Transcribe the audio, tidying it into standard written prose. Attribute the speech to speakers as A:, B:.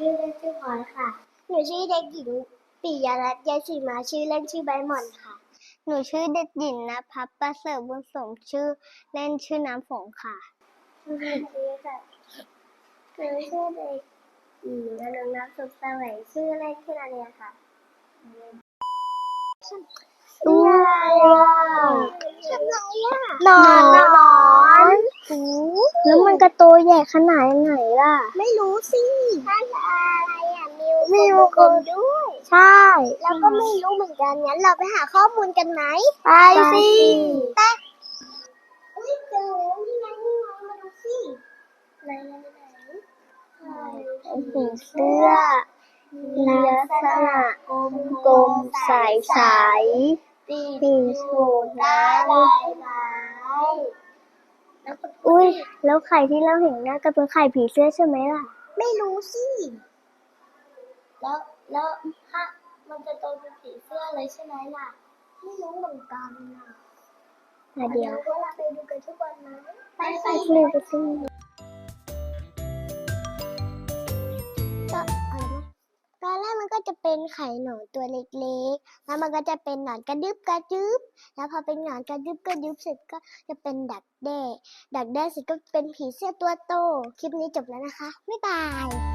A: ชื่อเล่นชื่อพลอยค่ะหนูชื่อเด็กหญิงปิยรัตน์ยายศรีมาชื่อเล่นชื่อใบหม่อนค่ะหนูชื่อเด็กหญิงณภัสประเสริฐบุญสมชื่อเล่นชื่อน้ำฝนค่ะชื่อค่ะหนูชื่อเด็กหญิงอนุรักษ์สุขแสวงชื่อเล่นชื่อนาเนียค่ะตัวอะไรทำไรอ่ะนอนแล้วมันกระโตใหญ่ขนาดไหนล่ะไม่รู้สิถ้าอะไรอ่ะมีวงกลมด้วยใช่แล้วก็ไม่รู้เหมือนกันงั้นเราไปหาข้อมูลกันไหมไปสิไปอุ้ยเจอแล้วนี่ไงมาดูสิไหนผีเสื้อลักษณะกลมๆใสๆปีกสูงหน้าลายไม้อุ้ยแล้วไข่ที่เราเห็นน่าจะเป็นไข่ผีเสื้อใช่ไหมล่ะไม่รู้สิแล้วถ้ามันจะโตเป็นผีเสื้อเลยใช่ไหมล่ะไม่รู้เหมือนกันนะเดี๋ยวเราไปดูกันทุกวันนะไปสิก็อะไรนะตอนแรกมันก็จะเป็นไข่หนอนตัวเล็กๆแล้วมันก็จะเป็นหนอนกระดึบแล้วพอเป็นหนอนกระดึบเสร็จก็จะเป็นดักแด้เสร็จก็เป็นผีเสื้อตัวโตคลิปนี้จบแล้วนะคะบ๊ายบาย